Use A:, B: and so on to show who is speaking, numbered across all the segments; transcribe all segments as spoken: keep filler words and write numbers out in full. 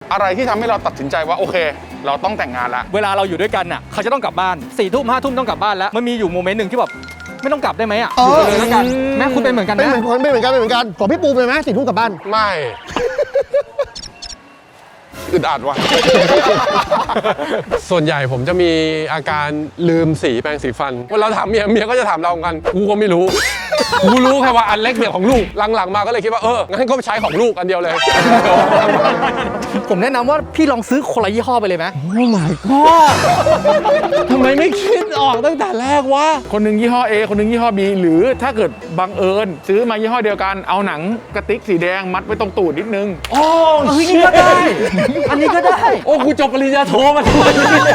A: อะไรที่ทำให้เราตัดสินใจว่าโอเคเราต้องแต่งงานละ
B: เวลาเราอยู่ด้วยกันน่ะเขาจะต้องกลับบ้านสี่ทุ่มห้าทุ่มต้องกลับบ้านแล้วมันมีอยู่โมเมนต์หนึ่งที่แบบไม่ต้องกลับได้ไหมอ่ะอยู่กันเลยแล้วกันแม่คุณเป็นเหมือนกัน
C: เป็น
B: นะ
C: เหมือนคนเป็นเหมือนกันเป็นเหมือนกันขอพี่ปูเป็นไหมสี่ทุ่มกลับบ้าน
A: ไม่อึดอัดว่ะ
D: ส่วนใหญ่ผมจะมีอาการลืมสีแปรงสีฟันเวลาถามเมียเมียก็จะถามเราเหมือนกันกูก็ไม่รู้ กูรู้แค่ว่าอันเล็กเนี่ยของลูกหลังๆมาก็เลยคิดว่าเอองั้นก็ใช้ของลูกอันเดียวเลย
B: ผมแนะนำว่าพี่ลองซื้อคนละยี่ห้อไปเลยไหม
D: โอ้ my god ทำไมไม่คิดออกตั้งแต่แรกวะ
A: คนหนึ่งยี่ห้อ A คนหนึ่งยี่ห้อ B หรือถ้าเกิดบังเอิญซื้อมายี่ห้อเดียวกันเอาหนังกระติกสีแดงมัดไว้ตรงตูดนิดนึง
D: โอ้
B: เฮ้ยนี่ก็ได้อันนี้ก็ได้
D: โอ้กูจบปริญญาโทมาทำไมเนี่ย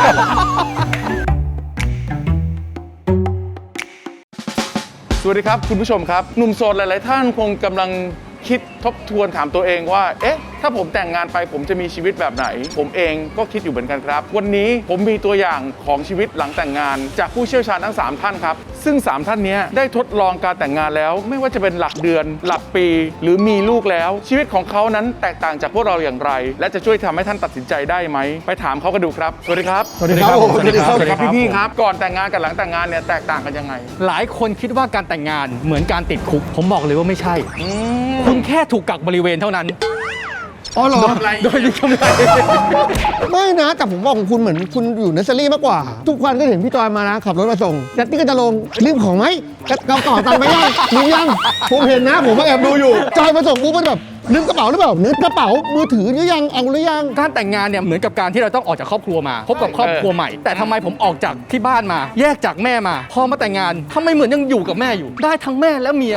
A: สวัสดีครับคุณผู้ชมครับหนุ่มโสดหลายๆท่านคงกำลังคิดทบทวนถามตัวเองว่าเอ๊ะถ้าผมแต่งงานไปผมจะมีชีวิตแบบไหนผมเองก็คิดอยู่เหมือนกันครับวันนี้ผมมีตัวอย่างของชีวิตหลังแต่งงานจากผู้เชี่ยวชาญทั้งสามท่านครับซึ่งสามท่านนี้ได้ทดลองการแต่งงานแล้วไม่ว่าจะเป็นหลักเดือนหลักปีหรือมีลูกแล้วชีวิตของเขานั้นแตกต่างจากพวกเราอย่างไรและจะช่วยทำให้ท่านตัดสินใจได้ไหมไปถามเขากันดูครับสวัสดีครับ
C: สวัสดีครับ
A: สวัสดีครับสวัสดีครับพี่ๆครับก่อนแต่งงานกับหลังแต่งงานเนี่ยแตกต่างกันยังไง
B: หลายคนคิดว่าการแต่งงานเหมือนการติดคุกผมบอกเลยว่าไม่ใช่
A: อืม
B: คุณแค่ถูกกักบริเวณเท่านั้น
C: อ๋อเหรอ
B: โดยมีกำไร
C: ไม่นะแต่ผมว่าของคุณเหมือนคุณอยู่เนสเซอรี่มากกว่า ทุกวันก็เห็นพี่จอยมานะขับรถมาส่งยัตตี้ก็จะลงรีบของไหมกระเป๋าตังค์ไปยังมียังผมเห็นนะผมก็แอบดูอยู่จอยมาส่งปุ๊บมันแบบลืมกระเป๋าหรือเปล่านึกกระเป๋ามือถือหรือยังเอาหรือยัง
B: การแต่งงานเนี่ยเหมือนกับการที่เราต้องออกจากครอบครัวมาพบกับครอบครัวใหม่ แต่ทำไมผมออกจากที่บ้านมา แยกจากแม่มาพอมาแต่งงานทำไมเหมือนยังอยู่กับแม่อยู่ ได้ทั้งแม่และเมีย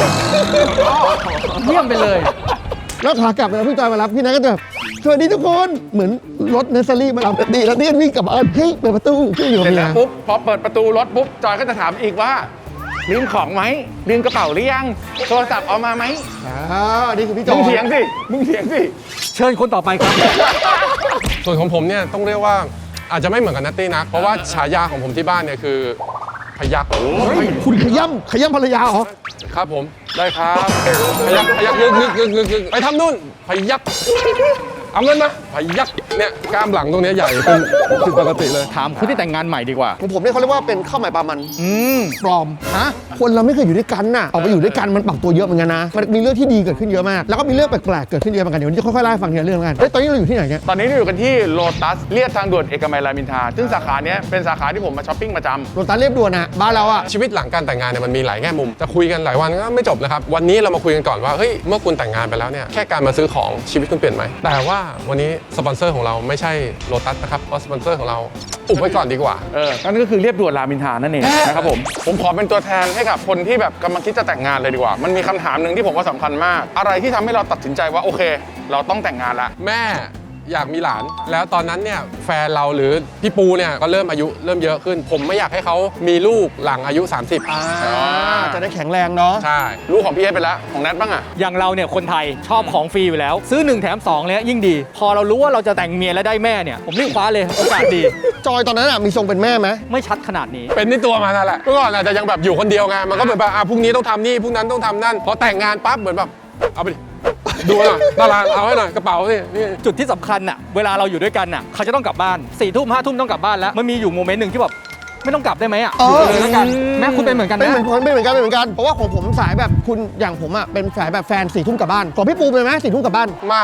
B: เยี่ยมไปเลย
C: แล้วขากลับเวลาพี่จอยมารับพี่นัทก็จะแบบสวัสดีทุกคนเหมือนรถเนสเซอรี่มารับดีแล้วนี่วิ่งกลับบ้านเฮ้ยเปิดประตูพี่อยู่
A: เส
C: กั
A: ร็
C: บ
A: จ
C: เมี
A: แล้
C: ยว
A: ปุ๊บพอเปิดประตูรถปุ๊บจอยก็จะถามอีกว่าลืมของไหมลืมกระเป๋าหรือยังโทรศัพท์เอามาไหม
C: อ่านี่คือพี่จอ
A: มึง
C: ย
A: เถียงสิมึงเถียงสิ
B: เชิญคนต่อไปครับ
D: ส่วนของผมเนี่ยต้องเรียกว่าอาจจะไม่เหมือนกับนัตตี้นะเพราะว่าฉายาของผมที่บ้านเนี่ยคือพยัก
C: คุณขย้ำขย้ำภรรยาเหรอ
D: ครับผม
A: ได้ครับ
D: พยักพยักงึกงึกงึกงึกงึกไปทำนู่นพยักเอาเงินมาพยักเนี่ยกล้ามหลังตรงเนี้ยใหญ่เป็นผิดปกติเลย
B: ถามคนที่แต่งงานใหม่ดีกว่า
C: ของผมเนี่ยเขาเรียกว่าเป็นข้าวใหม่ปลามัน
B: อืม
C: ปลอม
B: ฮะ
C: คนเราไม่เคยอยู่ด้วยกันน่ะออกไปอยู่ด้วยกันมันปรับตัวเยอะเหมือนกันนะมันมีเรื่องที่ดีเกิดขึ้นเยอะมากแล้วก็มีเรื่องแปลกๆเกิดขึ้นเยอะเหมือนกันเดี๋ยววันนี้จะค่อยๆเล่าให้ฟังทีละเรื่องกันเฮ้ยตอนนี้เราอยู่ที่ไหนเนี่ย
A: ตอนนี้เราอยู่กันที่โลตัสเลียบทางด่วนเอกมัยรามอินทราซึ่งสาขาเนี้ยเป็นสาขาที่ผมมาช้อปปิ้งประจำ
C: โรตัสเรียบด่วนนะบ้านเราอะ
D: ชีวิตหลังการแต่งงานเนี่ยมันมีหลายแง่มุมจะคุยกันหลายวันก็ไม่จบนะครับวันนี้เรามาคุยกันก่อนว่าเฮ้ยเมื่อคุณแต่งงานไปแล้วเนี่ยแค่การมาซื้อของชีวิตคุณเปลี่ยนไหมแต่ว่าวันนี้สปอนเซอร์ของเราไม่ใช่โลตัสนะครับเพราะสปอนเซอร์ของเราอุบไว้ก่อนดีกว่า
A: เออนั่นก็คือเรียบด่วนรามอินทรานั่นเองนะครับผมผมขอเป็นตัวแทนให้กับคนที่แบบกำลังคิดจะแต่งงานเลยดีกว่ามันมีคำถามหนึ่งที่ผมว่าสำคัญมาก อะไรที่ทำให้เราตัดสินใจว่าโอเค เราต้องแต่งงานละ
D: แม่อยากมีหลานแล้วตอนนั้นเนี่ยแฟนเราหรือพี่ปูเนี่ยก็เริ่มอายุเริ่มเยอะขึ้น ผมไม่อยากให้เขามีลูกหลังอายุ สามสิบ
C: อ่าจะได้แข็งแรงเนาะ
D: ใช่
A: ลูกของพี่เอสไปแล้วของแนทบ้างอะ
B: อย่างเราเนี่ยคนไทยชอบของฟรีอยู่แล้ว ซื้อหนึ่งแถมสองเลยยิ่งดี พอเรารู้ว่าเราจะแต่งเมียแล้วได้แม่เนี่ยผมรีบคว้าเลยโอกาสดี
C: จอยตอนนั้นอะมีทรงเป็นแม่ไหม
B: ไม่ชัดขนาดนี้
D: เป็นที่ตัวมานั่นแหละเมื่อก่อนอาจจะยังแบบอยู่คนเดียวไงมันก็เหมือนแบบอ่ะพรุ่งนี้ต้องทำนี่พรุ่งนั้นต้องทำนั่นพอแต่งงานปั๊บเหมือนแบบเอาไปดิดูหน่อยตารางเอาให้หน่อยกระเป๋าสินี่
B: จุดที่สำคัญน่ะเวลาเราอยู่ด้วยกันน่ะเขาจะต้องกลับบ้านสี่ทุ่มห้าทุ่มต้องกลับบ้านแล้วมันมีอยู่โมเมนต์หนึ่งที่แบบไม่ต้องกลับได้ไหมอ่ะอยู่กันเลยแล้วกันแม่คุณเป็นเหมือนกัน
C: เป็น
B: นะ
C: เหมือนคนเป็นเหมือนกันเป็นเหมือนกันเพราะว่าของผมสายแบบคุณอย่างผมอะเป็นสายแบบแฟนสี่ทุ่มกลับบ้านของพี่ปูเป็นไหมสี่ทุ่มกลับบ้าน
D: ไม่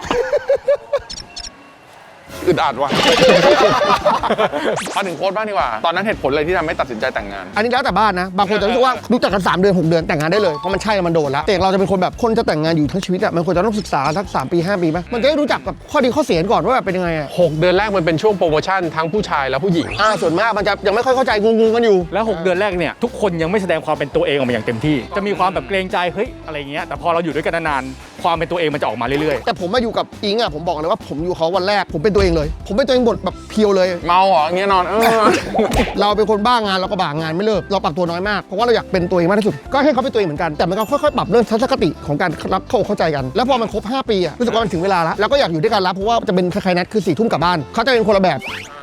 A: อึดอัดว่ะ มาถึงโค้ดบ้างดีกว่าตอนนั้นเหตุผลอะไรที่ทำให้ตัดสินใจแต่งงาน
C: อันนี้แล้วแต่บ้านนะบางคนจะรู้สึกว่ารู้จักกันสามเดือนหกเดือนแต่งงานได้เลยเพราะมันใช่แล้วมันโดนแล้วแต่เราจะเป็นคนแบบคนจะแต่งงานอยู่ทั้งชีวิตอะมันควรจะต้องศึกษาสักสามปีห้าปีไหมมันจะได้รู้จักกับข้อดีข้อเสียก่อนว่าแบบเป็นยังไงอะ
D: หกเดือนแรกมันเป็นช่วงโปรโมชั่นทั้งผู้ชายและผู้หญิง
C: อ่าส่วนมากมันจะยังไม่ค่อยเข้าใจงงๆกันอยู่
B: แล้วหกเดือนแรกเนี่ยทุกคนยังไม่แสดงความเป็นตัวเองออกมาอย่างเต็มที่จะมีความแบบเกรงใจเฮ้ยอะไรเงี้ยแต่พอเราอยู่ด้วยกันนานๆความเป็นตัวเองมันจะออกมาเรื่อย
C: แต่ผมมาอยู่กับอิงอะผมบอกเลยว่าผมอยู่เขาวันแรกผมเป็นตัวเองเลย ผมเป็นตัวเองหมดแบบเพียวเลย
A: เมาเหรออย่างเงี้ยนอนเออ
C: เราเป็นคนบ้างานเราก็บ้างานไม่เลิกเราปรับตัวน้อยมากเพราะว่าเราอยากเป็นตัวเองมากที่สุดก็ให้เขาเป็นตัวเองเหมือนกันแต่มันก็ค่อยๆปรับเรื่องทัศนคติของการรับเข้าเข้าใจกัน แล้วพอมันครบห้าปีอะรู้สึกว่ามันถึงเวลาแล้วแล้วก็อยากอยู่ด้วยกันแล้วเพราะว่าจะเป็นคล้ายๆนัดคือสี่ทุ่มกลับบ้านเขาจะเป็นคนละแบบ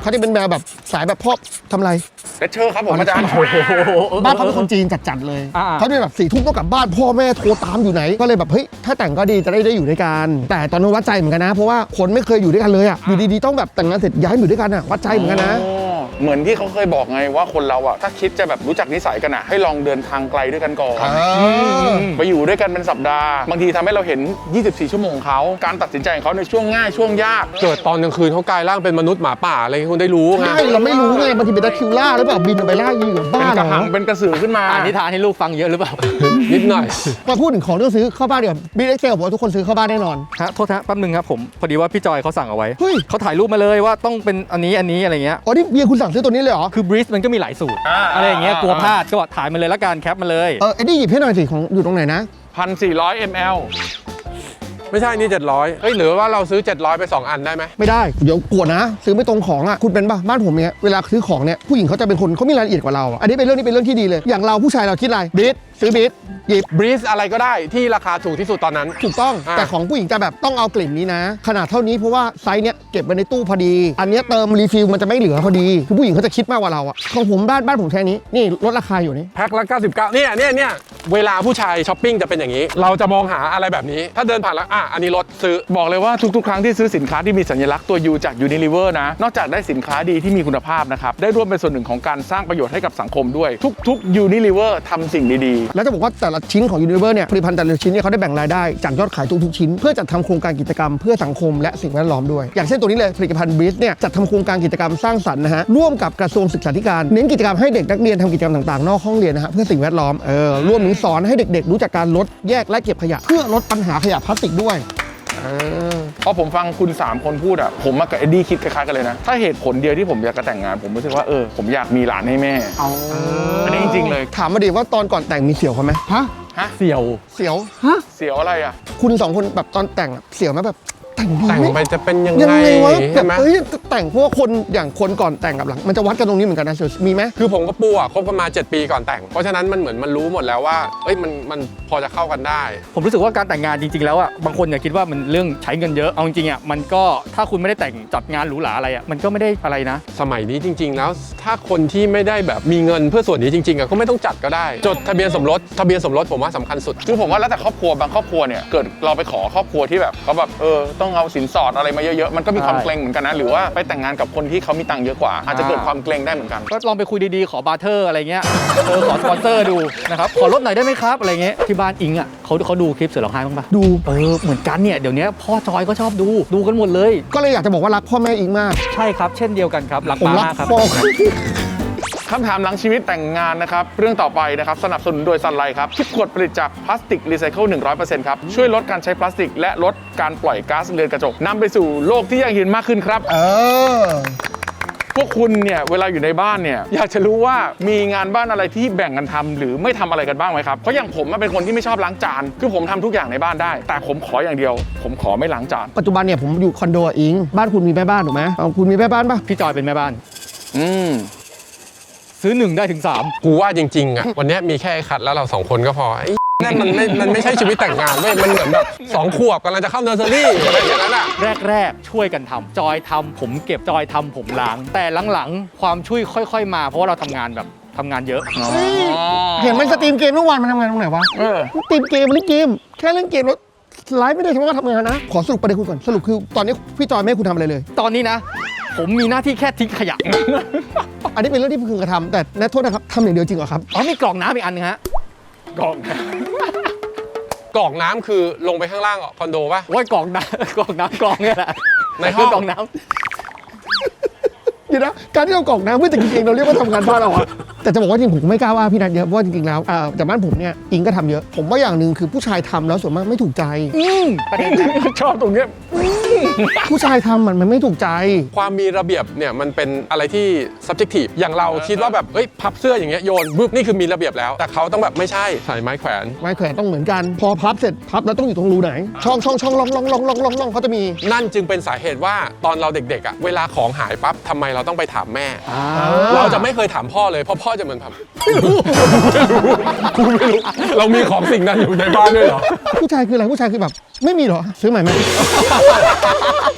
C: เขาจะเป็นแมวแบบสายแบบพอบทำไร
A: เลคเชอร์ครับผมอาจารย์
C: บ้านเขาเป็นคนจีนจัดๆเลย
B: อ่า
C: เขาจะแบบสี่ทุ่มต้องกลับบ้านพ่อแม่โทรตามอยู่ไหนก็เลยแบบเฮ้ยถ้าแต่งก็ดีจะได้ได้อยู่ด้วยกันแต่ตอนนั้นวัดใจเหมือนกันนะเพราะว่าคนไม่เคยอยู่ด้วยกันเลยอ่ะอยู่ดีๆต้องแบบแต่งงานเสร็จย้ายมาอยู่ด้วยกันอ่ะวัดใจเหมือนกันนะ
A: อ๋อเหมือนที่เขาเคยบอกไงว่าคนเราอะถ้าคิดจะแบบรู้จักนิสัยกันอะให้ลองเดินทางไกลด้วยกันก่อนไปอยู่ด้วยกันเป็นสัปดาห์บางทีทำให้เราเห็น ยี่สิบสี่ ชั่วโมงเขาการตัดสินใจของเขาในช่วงง่ายช่วงยาก
D: เกิดตอนกลางคืนเขากลายร่างเป็นมนุษย์หมาป่าอะไรคุณได้รู้ไง
C: ใช่เราไม่รู้ไงบางทีเป็นตะคริวล่าหรือเปล่าบินไปล่าอยู่
A: เป็
C: บ้าน
A: กระ
C: เหร
A: หั
C: อง
A: เป็นกระสือขึ้นมา
B: อ่านนิทานให้ลูกฟังเยอะหรือเปล่า
D: นิดหน่อย
C: มาพูดถึงของที่ซื้อเข้าบ้านเดี๋ยวบีเอ็กเซลบอกว่าทุกคนซื้อเข้าบ้านแน่นอน
B: ฮะโทษนะแป๊บนึงครับผมพอดีว่าพี่จอยเขาสั่งเอาไว้
C: เฮ้ย
B: เขาถ่ายรูปมาเลยว่าต้องเป็นอันนี้อันนี้อะไรเงี้ย
C: อ๋อนี่เบียร์คุณสั่งซื้อตัวนี้เลยเหรอ
B: คือบริสมันก็มีหลายสูตร
A: อ่า
B: อะไรอย่างเงี้ย
A: อ่าก
B: ลัวพลาดก็ถ่ายมาเลยละกันแคปมาเลย
C: เออไอ้นี่หยิบให้หน่อยสิของอยู่ตรงไหนนะ
A: พันสี่ร้อยมล
D: ไม่ใช่นี่เจ็ดร้อยเฮ้ยหรือว่าเราซื้อเจ็ดร้อยไปสองอันได้ไหม
C: ไม่ได้เดี๋ยวกลัวนะ ซื้อไม่ตรงของอ่ะคุณเป็นป่ะบ้านผมเนี่ยเวลาซื้อของเนี่ยผู้หญิงเขาจะเป็นคนเขามีรายละเอียดกว่าเราอะอันนี้เป็นเรื่องนี้เป็นเรื่องที่ดีเลยอย่างเราผู้ชายเราคิดอะไรบีทซื้อบีทหยิบ
D: บรีสอะไรก็ได้ที่ราคาถูกที่สุดตอนนั้น
C: ถูกต้อง
D: อ่า
C: แต่ของผู้หญิงจะแบบต้องเอากลิ่นนี้นะ ขนาดเท่านี้เพราะว่าไซส์เนี้ยเก็บไว้ในตู้พอดี อันเนี้ยเติมรีฟิลมันจะไม่เหลือพอดีคือผู้หญิงเขาจะคิดมากกว่าเราอะของผมบ้านบ้านผมแค่นี้นี่ลดราคาอยู่นี่
D: แพ็คละเก้าสิบเก้าเนี่ยเนี่ยเนี่ยเวลาผู้ชายช้อปปิ้งจะเป็นอย่างนี้ เราจะมองหาอะไรแบบนี้ ถ้าเดินผ่านแล้วอ่ะอันนี้ลดซื้อ
A: บอกเลยว่าทุกๆ ครั้งที่ซื้อสินค้าที่มีสัญลักษณ์ตัว U จาก Unilever นะ นอกจากได้สินค้าดีที่มีคุณภาพนะครับ ได้ร่วมเป็นส่วนหนึ่งของการสร้างประโยชน์ให้กับสังคมด้วย ทุกๆ Unilever ทำสิ่งดีๆ
C: แล้วจะบอกว่าแต่ละชิ้นของ Unilever เนี่ยผลิตภัณฑ์แต่ละชิ้นเนี่ยเขาได้แบ่งรายได้จากยอดขายทุกๆชิ้น เพื่อจัดทำโครงการกิจกรรมเพื่อสังคมและสิ่งแวดล้อมด้วยอย่างเช่นตัวนี้เลยผลิตภัณฑ์บริสเนี่ยจัดทำโครงการกิจกรรมสร้างสรรค์นะฮะร่วมกับกระทรวงศึกษาธิการเน้นกิจกรรมให้เด็กนักเรียนทำกิจกรรมต่างๆนอกห้องเรียนนะฮะเพื่อสิ่งแวดล้อมเออรวมถึงสอนให้เด็กๆรู้จักการลดแยกและเก็บขยะเพื่อลดปัญหาขยะพลาสติกด้วยเออ
A: พอผมฟังคุณสามคนพูดอ่ะผมมากับเอ็ดดี้คิดคล้ายๆกันเลยนะ ถ้าเหตุผลเดียวที่ผมอยากจะแต่งงาน ผมรู้สึกว่าเออผมอยากมีหลานให้แม่อันนี้จริงๆเลย
C: ถามมาดิว่าตอนก่อนแต่งมีเสียวเขาไหมฮะ
A: ฮะ
B: เสี่ยว
C: เสียวฮะ
A: เสียวอะไรอ่ะ
C: คุณสองคนแบบตอนแต่งอะเสียวไหมแบบแต่งดี
D: แต่ง
C: ไหม
D: ไปจะเป็นยัง
C: ยัง
D: ไง
C: ไงวะแบ
D: ใช่
C: บ
D: ไหม
C: เอ้ยแต่งเพราะว่าคนอย่างคนก่อนแต่งกับหลังมันจะวัดกันตรงนี้เหมือนกันนะเสียวมีไหม
D: คือผมกับปูอ่ะคบกันมาเจ็ดปีก่อนแต่ง เพราะฉะนั้นมันเหมือนมันรู้หมดแล้วว่าเอ้ยมันมันพอจะเข้ากันได้
B: ผมรู้สึกว่าการแต่งงานจริงๆแล้วอ่ะบางคนเนี่ยคิดว่ามันเรื่องใช้เงินเยอะเอาจริงๆอ่ะมันก็ถ้าคุณไม่ได้แต่งจัดงานหรูหราอะไรอ่ะมันก็ไม่ได้อะไรนะ
D: สมัยนี้จริง ๆ แล้วถ้าคนที่ไม่ได้แบบมีเงินเพื่อส่วนนี้จริงๆอ่ะก็ไม่ต้องจัดก็ได้ จดทะเบียนสมรสทะเบียนสมรสผมว่าสำคัญสุด
A: คือผมว่าแล้วแต่ครอบครัวบางครอบครัวเนี่ยเกิดเราไปขอครอบครัวที่แบบเขาแบบเออต้องเอาสินสอดอะไรมาเยอะๆมันก็มีความ
B: ใช่
A: เกรงเหมือนกันนะหรือว่าไปแต่งงานกับคนที่เขามีตังค์เยอะกว่า อาจจะเกิดความเกรงได้เหมือนกัน
B: ก็ลองไปคุยดีๆ ขอบาร์เทอร์อะไรเงี้ย เออ ขอสปอนเซอร์ดูนะครับ ขอลดหน่อยได้ไหมครับ อะไรเงี้ย ที่บ้านอิงอ่ะเขาเขาดูคลิปเสือร้องไห้บ้างปะ
C: ดู
B: เออ เหมือนกันเนี่ย เดี๋ยวนี้พ่อจอยก็ชอบดู ดูกันหมดเลย
C: ก็เลยอยากจะบอกว่ารักพ่อแม่อิงมาก
B: ใช่ครับ เช่นเดียวกันครับ รัก
C: ผม
B: ป้า
C: รัก
B: มากครับ
C: พ่อ
A: คำถามหลังชีวิตแต่งงานนะครับ เรื่องต่อไปนะครับ สนับสนุนโดยซันไลท์ครับคิดขวดผลิตจากพลาสติกรีไซเคิล หนึ่งร้อยเปอร์เซ็นต์ ครับ ช่วยลดการใช้พลาสติก และลดการปล่อยก๊าซเรือนกระจกนำไปสู่โลกที่ยั่งยืนมากขึ้นครับ
C: เออ
A: พวกคุณเนี่ยเวลาอยู่ในบ้านเนี่ยอยากจะรู้ว่ามีงานบ้านอะไรที่แบ่งกันทำหรือไม่ทำอะไรกันบ้างไหมครับ เพราะอย่างผมเป็นคนที่ไม่ชอบล้างจานคือผมทำทุกอย่างในบ้านได้ แต่ผมขออย่างเดียว ผมขอไม่ล้างจาน
C: ปัจจุบันเนี่ยผมอยู่คอนโดอะอิงบ้านคุณมีแม่บ้านถูกไหมเอาคุณมีแม่บ้านปะ
B: พี่จอยเป็นแม่บ้าน
A: อืม
B: ซื้อหนึ่งได้ถึงสาม
D: กูว่าจริงๆอ่ะวันเนี้ยมีแค่ไอ้ขัดแล้วเราสองคนก็พอไอ้นั่นมันไม่มันไม่ใช่ชีวิตแต่งงานเว้ยมันเหมือนแบบสองขวบกำลังจะเข้าเนอร์เซอรี่อะไรอย่างนั้นอ่ะ
B: แรกๆ ช่วยกันทำจอยทำผมเก็บจอยทำผมล้าง แต่หลังๆ ความช่วยค่อยๆ มา เพราะว่าเราทำงานแบบทำงานเยอะ
C: เห็นมันสตรีมเกมเมื่อวานมันทำงานตรงไหนวะ
A: เออ
C: สตรีมเกมเล่นเกมแค่เล่นเกมแล้วไลฟ์ไม่ได้ใช่ไหมว่าทำงานนะขอสรุปประเด็นคุณก่อนสรุปคือตอนนี้พี่จอยไม่ให้คุณทำอะไรเลย
B: ตอนนี้นะ ผมมีหน้าที่แค่ทิ้งขยะ
C: อันนี้เป็นเรื่องที่พึงกระทำแต่นะโทษนะครับทำอย่างเดียวจริงเหรอครับ
B: อ๋อมีกล่องน้ำอีกอันนึงฮะ
A: กล่อง
D: กรอกน้ำคือลงไปข้างล่างคอนโดป่ะ
B: โอ้ยกล่องน้ำ กล่องน้ำกล่องเนี่ยแหละ
D: ในห้อง
B: กล่องน้
C: เดี๋ยวนะการที่เรากรอกน้ำเพื่อจะกินเองเราเรียกว่าทำงานบ้านเราอะแต่จะบอกว่าจริงผมไม่กล้าว่าพี่นัทเยอะเพราะว่าจริงๆแล้วอ่าแต่บ้านผมเนี่ยอิงก็ทำเยอะ ผมว่าอย่างหนึ่งคือผู้ชายทำแล้วส่วนมากไม่ถูกใจ
B: ำอืมประเด็นนะ
A: ชอบตรงเนี้ย
C: ผู้ชายทำมันมันไม่ถูกใจ
D: ความมีระเบียบเนี่ยมันเป็นอะไรที่ subjective อย่างเราคิดว่าแบบเอ้ยพับเสื้ออย่างเงี้ยโยนบึ๊บนี่คือมีระเบียบแล้ว แต่เขาต้องแบบไม่ใช่ใส่ไม้แขวน
C: ไม้แขวนต้องเหมือนกัน พอพับเสร็จพับแล้วต้องอยู่ตรงรูไหน ช่องช่องช่องล่องล่องล่องล่องล่องล่องเขาจะมี
D: นั่นจึงเป็นสาเหตุว่าตอนเราเด็กๆอ่ะเวลาของหายปั๊บทำไมเราต้องไปถามแม่ เราจะไม่เคยถามพ่อเลยเพราะพ่อจะเหมือนแบบไม่รู้กูไม่รู้เรามีของสิ่งนั้นอยู่ในบ้านด้วยเหรอ
C: ผู้ชายคืออะไรผู้ชายคือแบบไม่มีเหรอซื้อใหม่ไหม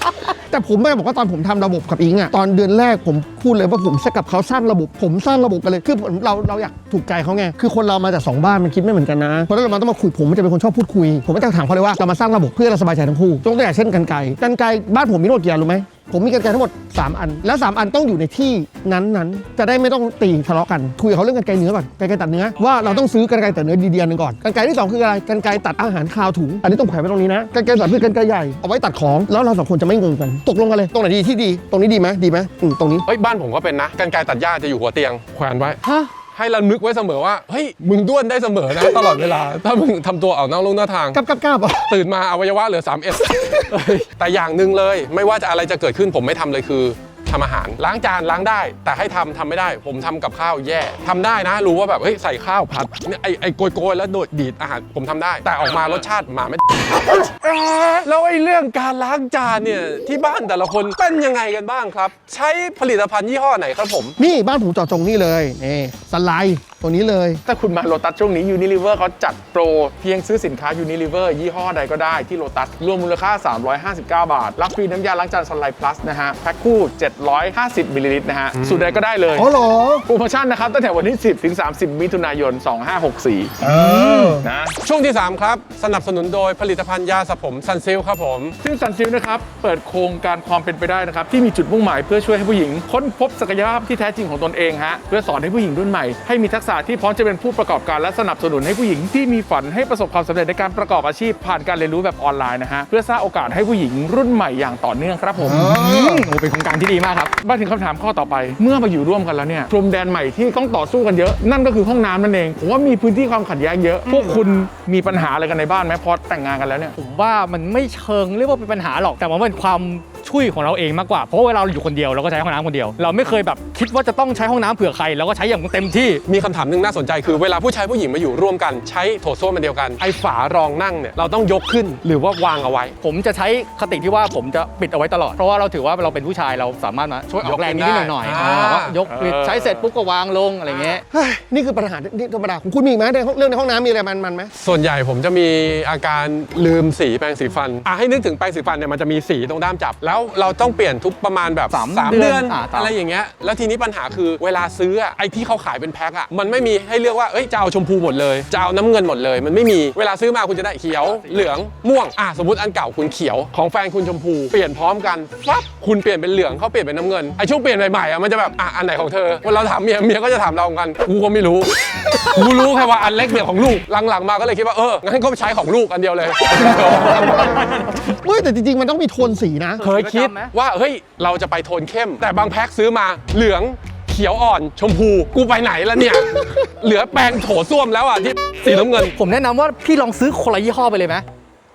C: แต่ผมไม่ได้บอกว่าตอนผมทำระบบกับอิงอะตอนเดือนแรกผมพูดเลยว่าผมกับเขาสร้างระบบผมสร้างระบบกันเลยคือผมเราเราอยากถูกใจเขาไงคือคนเรามาจากสองบ้านมันคิดไม่เหมือนกันนะเพราะฉะนั้นเราต้องมาคุยผมจะเป็นคนชอบพูดคุยผมก็จะถามเขาเลยว่าเรามาสร้างระบบเพื่อเราสบายใจทั้งคู่ยกตัวอย่างเช่นกรรไกรกรรไกรบ้านผมมีทั้งหมดกี่อันรู้ไหมผมมีกรรไกรทั้งหมดสามอันและสามอันต้องอยู่ในที่นั้นๆจะได้ไม่ต้องตีทะเลาะกันคุยกับเขาเรื่องกรรไกรเนื้อก่อนกรรไกรตัดเนื้อว่าเราต้องซื้อกรรไกรตัดเนื้อดีๆนึงก่อนกรรไกรที่สองคืออะไรกรรไกรตัดอาหารคาวถุงอันนี้ต้องแขวนไว้ตรงนี้นะกรรไกรตัดคือกรรไกรใหญ่เอาไว้ตัดของแล้วเราสองคนจะไม่งงกันตกลงกันเลยตรงไหนดีที่ดีตรงนี้ดีไหมดีไหมอืมตรงนี้
D: เฮ้ยบ้านผมก็เป็นนะกรรไกรตัดหญ้าจะอยู่หัวเตียงแขวนไว้
B: ฮะ
D: ให้เรานึกไว้เสมอว่าเฮ้ยมึงด้วนได้เสมอนะ ตลอดเวลาถ้ามึงทำตัวออกนอกลู่นอกทาง
C: กับกับกับอ่ะ
D: ตื่นมาอวัยวะเหลือสามเอ็ดแต่อย่างหนึ่งเลยไม่ว่าจะอะไรจะเกิดขึ้นผมไม่ทำเลยคือทำอาหารล้างจานล้างได้แต่ให้ทำทำไม่ได้ผมทำกับข้าวแย่ทำได้นะรู้ว่าแบบเฮ้ยใส่ข้าวผัดเนี่ยไอไอโกยโกยแล้วโดดดีดอาหารผมทำได้ แต่ออกมารสชาติหมาไม่ แล้วไอ้เรื่องการล้างจานเนี่ยที่บ้านแต่ละคนเป็นยังไงกันบ้างครับ ใช้ผลิตภัณฑ์ยี่ห้อไหนครับผม
C: นี่บ้านผมเจาะจงนี่เลยนี่สไลด์ตัวนี้เลย
A: ถ้าคุณมาโลตัสช่วงนี้ Unilever เขาจัดโปรเพียงซื้อสินค้า Unilever ยี่ห้อใดก็ได้ที่โลตัสรวมมูลค่า สามร้อยห้าสิบเก้า บาท รับฟรีน้ำยาล้างจานซันไลท์พลัสนะฮะแพ็คคู่ เจ็ดร้อยห้าสิบมิลลิลิตรนะฮะสูตรใดก็ได้เลย
C: อ๋อเหรอ
A: โปรโมชั่นนะครับตั้งแต่วันที่ สิบถึงสามสิบ มิถุนายน สองห้าหกสี่
C: เออ
A: นะ
D: ช่วงที่สามครับสนับสนุนโดยผลิตภัณฑ์ยาสระผมซันซิลครับผม
A: ซึ่งซันซิลนะครับเปิดโครงการความเป็นไปได้นะครับที่มีจุดมุ่งหมายเพื่อช่วยให้ผู้หญิงค้นพบศักยภาพที่แท้จริงของตนเองฮะเพื่อสอนให้ผู้หญิงรุ่นใหม่ให้มีทักษะที่พร้อมจะเป็นผู้ประกอบการและสนับสนุนให้ผู้หญิงที่มีฝันให้ประสบความสำเร็จในการประกอบอาชีพผ่านการเรียนรู้แบบออนไลน์นะฮะเพื่อสร้างโอกาสให้ผู้หญิงรุ่นใหม่อย่างต่อเนื่องครับผม
C: เออ
B: โอ้เป็นโครงการที่ดีมากครับ
A: มาถึงคำถามข้อต่อไปเมื่อมาอยู่ร่วมกันแล้วเนี่ยพรมแดนใหม่ที่ต้องต่อสู้กันเยอะนั่นก็คือห้องน้ำนั่นเองผมว่ามีพื้นที่ความขัดแย้งเยอะพวกคุณมีปัญหาอะไรกันในบ้านไหมพอแต่งงานกันแล้วเนี่ย
B: ผมว่ามันไม่เชิงเรียกว่าเป็นปัญหาหรอกแต่มันเป็นความช่วยของเราเองมากกว่าเพราะว่าเวลาเราอยู่คนเดียวเราก็ใช้ห้องน้ำคนเดียวเราไม่เคยแบบคิดว่าจะต้องใช้ห้องน้ำเผื่อใครเราก็ใช้อย่างเต็มที่
D: มีคำถามหนึ่งน่าสนใจคือเวลาผู้ชายผู้หญิงมาอยู่ร่วมกันใช้โถส้วมมันเดียวกันไอ้ฝารองนั่งเนี่ยเราต้องยกขึ้นหรือว่าวางเอาไว้
B: ผมจะใช้คติที่ว่าผมจะปิดเอาไว้ตลอดเพราะว่าเราถือว่าเราเป็นผู้ชายเราสามารถมาช่วยออกแรงนิดๆหน่อยๆ
D: อ่า
B: อ่าว่ายกปิดใช้เสร็จปุ๊บก็วางลงอะไรเงี้ย
C: เฮ้ยนี่คือปัญหาที่ธรรมดาของคุณมีอีกไหมในห้องเรื่องในห้องน้ำมีอะไรมันมันไหม
D: ส่วนใหญ่ผมจะมีอาการลืมสีแปรงสีฟันอ่ะให้นึกถึงแปรงสีฟันเนี่ยมันจะมีสีตรงด้ามจับ แล้วเราต้องเปลี่ยนทุกประมาณแบบ
B: สาม
D: สาม
B: เดื
D: เดื
B: อ
D: อน น
B: อ่าตาม
D: อะไรอย่างเงี้ยแล้วทีนี้ปัญหาคือเวลาซื้ออะไอ้ที่เขาขายเป็นแพ็คอะมันไม่มีให้เลือกว่าเอ้ยจะเอาชมพูหมดเลยจะเอาน้ำเงินหมดเลย มันไม่มีเวลาซื้อมาคุณจะได้เขียวเหลืองม่วงอ่ะสมมติอันเก่าคุณเขียวของแฟนคุณชมพูเปลี่ยนพร้อมกันปั๊บคุณเปลี่ยนเป็นเหลืองเขาเปลี่ยนเป็นน้ำเงินไอ้ช่วงเปลี่ยนใหม่ๆอะมันจะแบบอ่ะอันไหนของเธอเวลาเราถามเมียเมียก็จะถามเราเหมือนกันกูก็ไม่รู้ กูรู้แค่ว่าอันเล็กเนี่ยของลูกหลังๆมาก็เลยคิดว่าเอองั้นก็ใช้ของลูกอันเดียวเลย
C: เฮ้ยแต่จริงๆมันต้องมีโทนสีนะ
D: เคยคิดว่าเฮ้ยเราจะไปโทนเข้ม แต่บางแพ็คซื้อมาเหลืองเขียวอ่อนชมพูกูไปไหนแล้วเนี่ย เหลือแปรงโถส้วมแล้วอ่ะที่สีน้ำเงิน
B: ผมแนะนำว่าพี่ลองซื้อคนละยี่ห้อไปเลยไหม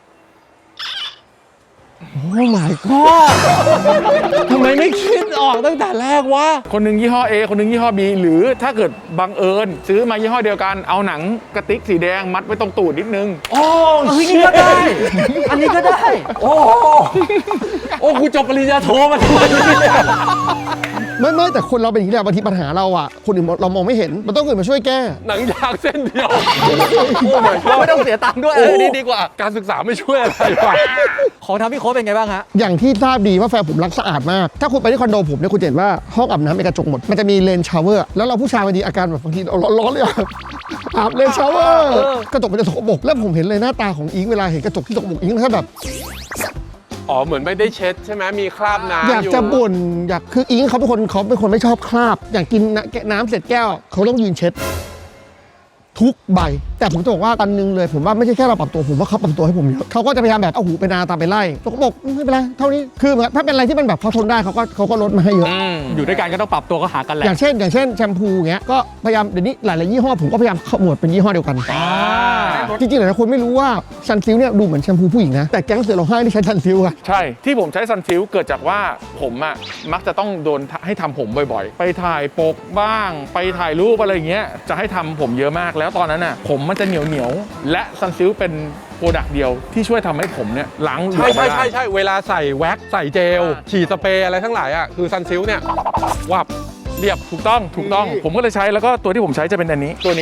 C: โอ้ my god
D: ทำไมไม่คิดออกตั้งแต่แรกวะ
A: คนหนึ่งยี่ห้อ A คนหนึ่งยี่ห้อ B หรือถ้าเกิดบังเอิญซื้อมายี่ห้อเดียวกันเอาหนังกระติกสีแดงมัดไว้ตรงตูดนิดนึง
D: โอ้
B: อันนี้ก็ได้ อันนี้ก็ได้
D: โอ้โอ้กูจบปริญญาโทมาทำไมเนี่ย
C: ไม่ไม่แต่คนเราเป็นอย่างนี้แหละบางทีปัญหาเราอ่ะคนอื่นเรามองไม่เห็นมันต้องคนอื่นมาช่วยแก้
D: หนังยางเส้นเดียวโอ้ my
B: เรา
D: god
B: ไม่ต้องเสียตังค์ด้วยเออนี่ดีกว่า
D: การศึกษาไม่ช่วยอะไรวะ
B: ของทำพี่โค้ชเป็นไงบ้างฮะ
C: อย่างที่ทราบดีว่าแฟนผมรักสะอาดมาก ถ้าคุณไปที่คอนโดผมเนี่ยคุณจะเห็นว่าห้องอาบน้ำเป็นกระจกหมด มันจะมีเลนชาวเวอร์ แล้วเราผู้ชายบางทีอาการแบบบางทีเราร้อนๆเลยอะอาบเลนชาวเวอร์
B: เออ
C: กระจกมันจะสกปรกแล้วผมเห็นเลยหน้าตาของอิงเวลาเห็นกระจกที่สกปรกอิงแค่แบบ
D: อ๋อเหมือนไม่ได้เช็ดใช่ไหมมีคราบน้ำ
C: อยากจะบ่นอยากคืออิงเขาเป็นคนเขาเป็นคนไม่ชอบคราบ อย่างกินน้ำเสร็จแก้วเขาต้องยืนเช็ด ทุกใบ แต่ผมจะบอกว่าอันนึงเลยผมว่าไม่ใช่แค่เราปรับตัวผมว่าเขาปรับตัวให้ผมเยอะเขาก็จะพยายามแบบเอาหูไปนาตามไปไล่เขาก็บอกไม่เป็นไรเท่านี้คือเหมือนถ้าเป็นอะไรที่มันแบบเขาทนได้เขาก็เขาก็ลดมาให้เยอะ
B: อยู่ด้วยกันก็ต้องปรับตัวก็หากันแหละ
C: อย่างเช่น อย่างเช่นแชมพูเงี้ยก็พยายามเดี๋ยวนี้หลายๆยี่ห้อผมก็พยายามขมวดเป็นยี่ห้อเดียวกันจริงๆหลายๆคนไม่รู้ว่าซันซิลเนี่ยดูเหมือนแชมพูผู้หญิงนะแต่แก๊งเสือร้องไห้ที่ใช้ซันซิลอะ
A: ใช่ที่ผมใช้ซันซิลเกิดจากว่าผมอะมักจะต้องโดนให้ทำผมบ่อยๆ ไปถ่ายปกบ้าง ไปถ่ายรูปอะไรอย่างเงี้ยจะให้ทำผมเยอะมากแล้วตอนนั้นน่ะผมมันจะเหนียวเหนียวๆและซันซิลเป็นโปรดักต์เดียวที่ช่วยทำให้ผมเนี่ยล้างเหลว
D: ใช่
A: ไม่
D: ใช่
A: ได้
D: ใช่ใช่เวลาใส่แว็กซ์ใส่เจล ฉีดสเปรย์อะไรทั้งหลายอ่ะคือซันซิลเนี่ยวับเรียบ
A: ถูกต้องถูกต้องผมก็เลยใช้แล้วก็ตัวที่ผมใช้จะเป็นอันนี้ตัวนี้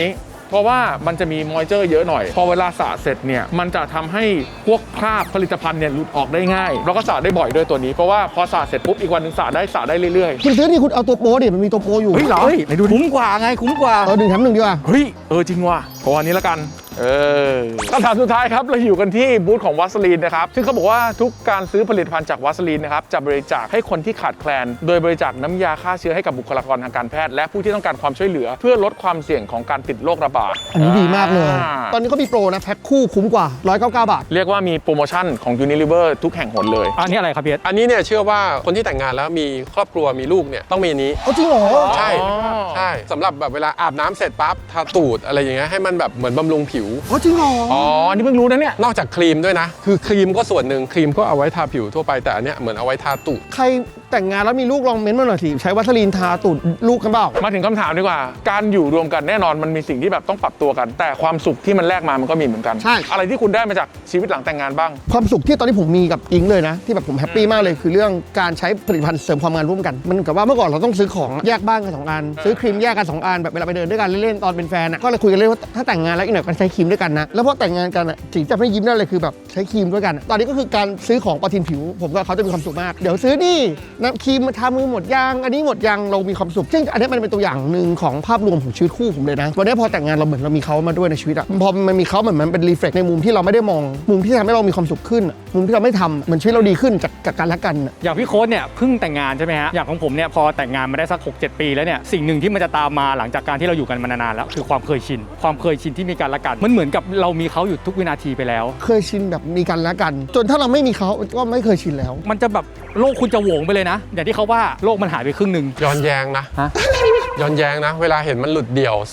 A: เพราะว่ามันจะมีมอยเจอร์เยอะหน่อยพอเวลาสระเสร็จเนี่ยมันจะทำให้พวกคราบผลิตภัณฑ์เนี่ยหลุดออกได้ง่ายแล้วก็สระได้บ่อยด้วยตัวนี้เพราะว่าพอสระเสร็จปุ๊บอีกวันหนึงสระได้สระได้เรื่อยๆ
C: คุณซื้อนี่คุณเอาตัวโปรดิมันมีตัวโปรอยู่
A: เฮ้ยเหรอ
B: เฮ้ยไหนดูคุ้มกว่าไงคุ้มกว่า
C: เออหนึ่งแถมหนึ่งดีกว่า
A: เฮ้ยเออจริงว่ะขออันนี้ละกันเออคำถามสุดท้ายครับเราอยู่กันที่บูธของวัสลีนนะครับซึ่งเขาบอกว่าทุกการซื้อผลิตภัณฑ์จากวัสลีนนะครับจะบริจาคให้คนที่ขาดแคลนโดยบริจาคน้ำยาฆ่าเชื้อให้กับบุคลากรทางการแพทย์และผู้ที่ต้องการความช่วยเหลือเพื่อลดความเสี่ยงของการติดโรคระบาด
C: อันนี้ดีมากเลย
A: อ่า
C: ตอนนี้เขามีโปรนะแพ็คคู่คุ้มกว่าหนึ่งร้อยเก้าสิบเก้าบาท
A: เรียกว่ามีโปรโมชั่นของ Unilever ทุกแห่งหนเลย
B: อันนี้อะไรครับพี่เอส
D: อันนี้เนี่ยเชื่อว่าคนที่แต่งงานแล้วมีครอบครัวมีลูกเนี่ยต้องมีอันนี้
C: เอาจริงเหรอ
D: ใช่
A: อ๋อ
D: ใช่สำหรับแบบเวลาอาบน้ำเสร็จปั๊บทาตูดอะไรอย่างเงี้ยให้มันแบบเหมือนบำรุงผิว
C: เอาจริงเหรอ
A: อ๋ออันนี้เพิ่งรู้นะเนี่ย
D: นอกจากครีมด้วยนะ คือครีมก็ส่วนหนึ่งครีมก็เอาไว้ทาผิวทั่วไปแต่อันเนี้ยเหมือนเอาไว้ทาตูด
C: ใครแต่งงานแล้วมีลูกลองเม้นต์มาหน่อยสิใช้วัสลีนทาตูดลูกกันเปล่า
A: มาถึงคำถามดีกว่า การอยู่รวมกันแน่นอนมันมีสิ่งที่แบบต้องปรับตัวกัน แต่ความสุขที่มันแลกมามันก็มีเหมือนกัน
C: ใช่
A: อะไรที่คุณได้มาจากชีวิตหลังแต่งงานบ้าง
C: ความสุขที่ตอนนี้ผมมีกับอิงเลยนะ ที่แบบผมแฮปปี้มากเลยคือเรื่องการใช้ผลิตภัณฑ์เสริมความงามร่วมกัน มันกับว่าเมื่อก่อนเราต้องซื้อของแยกบ้านกันสองอันซื้อครีมแยกกันสองอันแบบเวลาไปเดินด้วยกันเล่นๆตอนเป็นแฟนอ่ะก็เลยคุยกันเลยว่าถ้าแต่งงานแล้วอีกหน่อยกันใช้ครีมด้วยกันนะแล้วพอแต่งงานกันอ่ะสิ่งที่จะไม่ยิ้มได้เลยคือแบบใช้ครีมด้วยกันอะตอนนี้ก็คือการซื้อของประทินผิว ผมกับเขาจะมีความสุขมากเดี๋ยวซื้อนี่น้ำครีมมาทามือหมดยางอันนี้หมดยางเรามีความสุขซึ่งอันนี้มันเป็นตัวอย่างหนึ่งของภาพรวมของชีวิตคู่ผมเลยนะวันนี้พอแต่งงานเราเหมือนเรามีเขามาด้วยในชีวิตอะพอมันมีเขาเหมือนมันเป็นรีเฟล็กในมุมที่เราไม่ได้มองมุมที่ทำให้เรามีความสุขขึ้นอะมุมที่เราไม่ทำเหมือนชีวิตเราดีขึ้นจากจากการรักกันอะ
B: อย่างพี่โค้ดเนี่ยเพิ่งแต่งงานใช่ไหมฮะอย่างของผมเนี่ยพอแต่งงานมาได้สัก หกเจ็ด ปีแล้วเนี่ยสิ่งหนึ่งที่มันจะตามมาหลังจากการที่เราอยู่กันมานานๆแล้วคือความเคยชินความเคยชินที่มีการละกันมันเหมือนกับเรามีเขาอยู่ทุกวินาทีไปแล้ว
C: เคยชินแบบมีกันและกัน จนถ้าเราไม่มีเขาก็ไม่เคยชินแล้ว
B: มันจะแบบโลกคุณจะโหวงไปเลยนะ อย่างที่เขาว่าโลกมันหายไปครึ่งหนึ่ง
D: ย้อนแย้งนะ
B: ฮะ
D: ย้อนแย้งนะ เวลาเห็นมันหลุดเดี่ยว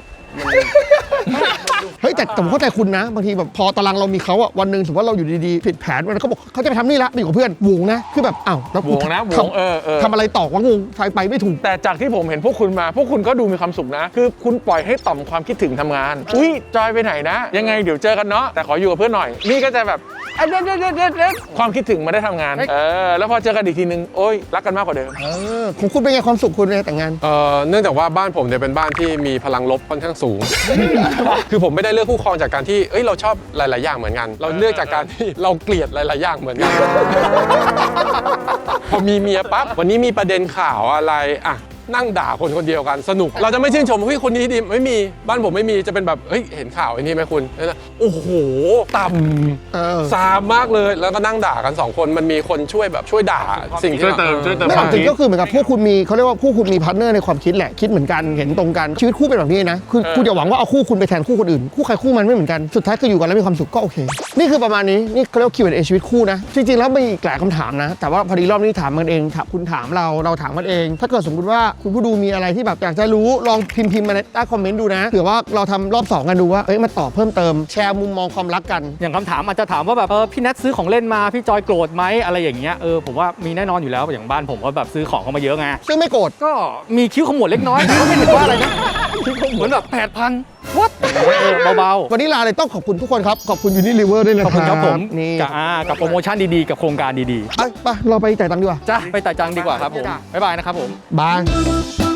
C: เฮ้ยแต่แต่ผมเข้าใจคุณนะบางทีแบบพอตารางเรามีเขาอะวันหนึ่งสมมติว่าเราอยู่ดีๆผิดแผนมันเขาบอกเขาจะไปทำนี่ละไปอยู่กับเพื่อนวงนะคือแบบอ้าวแล้วกู
A: วงนะวง
C: ทำ
A: เออเออ
C: ทำอะไรต่อวะงงไปไปไม่ถูก
A: แต่จากที่ผมเห็นพวกคุณมา พวกคุณก็ดูมีความสุขนะ คือคุณปล่อยให้ต่อมความคิดถึงทำงาน อุ้ยจอยไปไหนนะ ยังไงเดี๋ยวเจอกันเนาะแต่ขออยู่กับเพื่อนหน่อย นี่ก็จะแบบเอ๊ะเด็ดเด็ดเด็ดเด็ดเด็ดความคิดถึงมาได้ทำงานเออแล้วพอเจอกันอีกทีนึงโอ๊ยรักกันมากกว่าเดิม
C: เออของคุณเป็นไงความสุขคุณในแต่งงาน
D: เอ่อเนื่องจากว่าบ้านผมเนี่ยเป็นบ้านที่มีพลังลบค่อนข้างสูง คือผมไม่ได้เลือกคู่ครองจากการที่เอ้ยเราชอบหลาย ๆ อย่างเหมือนกัน เราเลือกจากการที่เราเกลียดหลาย ๆ อย่างเหมือนกัน พอมีเมียปั๊บวันนี้มีประเด็นข่าวอะไรอ่ะนั่งด่าคนคนเดียวกันสนุก เราจะไม่ชื่นชมเฮ้ยคนนี้ดีไม่มีบ้านผมไม่มีจะเป็นแบบเฮ้ยเห็นข่าวไอ้นี่ไหมคุณแล้วนะโอ้โหต่
C: เออ
D: ำซามมากเลยแล้วก็นั่งด่ากันสองคนมันมีคนช่วยแบบช่วยด่าสิ่งที่
A: ช่วยเติมช่วยเติม
C: ไม่เอาจริงก็คือเหมือนกับพวกคุณมีเขาเรียกว่าคู่คุณมีพาร์ทเนอร์ในความคิดแหละคิดเหมือนกันเห็นตรงกันชีวิตคู่เป็นแบบนี้นะคือคุณอย่าหวังว่าเอาคู่คุณไปแทนคู่คนอื่นคู่ใครคู่มันไม่เหมือนกันสุดท้ายคืออยู่กันแล้วมีความสุขก็โอเคนี่คือประมาณนี้นี่เขาเรียกว่า คิว แอนด์ เอ ชีวิตคู่นะจริงๆแล้วมีอีกหลายคำถามนะแต่ว่าพอดีรอบนี้ถามกันเองถามคุณถามเราเราถามกันเอง ถ้าเกิดสมมติว่าคุณผู้ดูมีอะไรที่แบบอยากจะรู้ลองพิมพ์พิมพ์มาในใต้คอมเมนต์ดูนะเผื่อว่าเราทำรอบสองกันดูว่าเอ้ยมาตอบเพิ่มเติมแชร์มุมมองความรักกัน
B: อย่างคำถามอาจจะถามว่าแบบเออพี่แนทซื้อของเล่นมาพี่จอยโกรธไหมอะไรอย่างเงี้ยเออผมว่ามีแน่นอนอยู่แล้วอย่างบ้านผมก็แบบซื้อของเข้ามาเยอะไง
C: ซึ่งไม่โกรธ
B: ก็มีคิ้วขมวดเล็กน้อยก็ไม่ถือว่าอะไรนะคิ้วขมวดแบบแปดพันวัดเบา
C: วันนี้ลาเลยต้องขอบคุณทุกคนครับ ขอบคุณยูนิลิเวอร์ด้วยนะ
B: ๆขอบคุณครับผม
C: นี่
B: กับอ่ากับโปรโมชั่นดีๆกับโครงการดี
C: ไปไปเราไปจ่ายตังค์ดีกว่า
B: ๆจ้ะไปจ่ายจังดีกว่าครับผมบ๊ายบายนะครับผม
C: บาย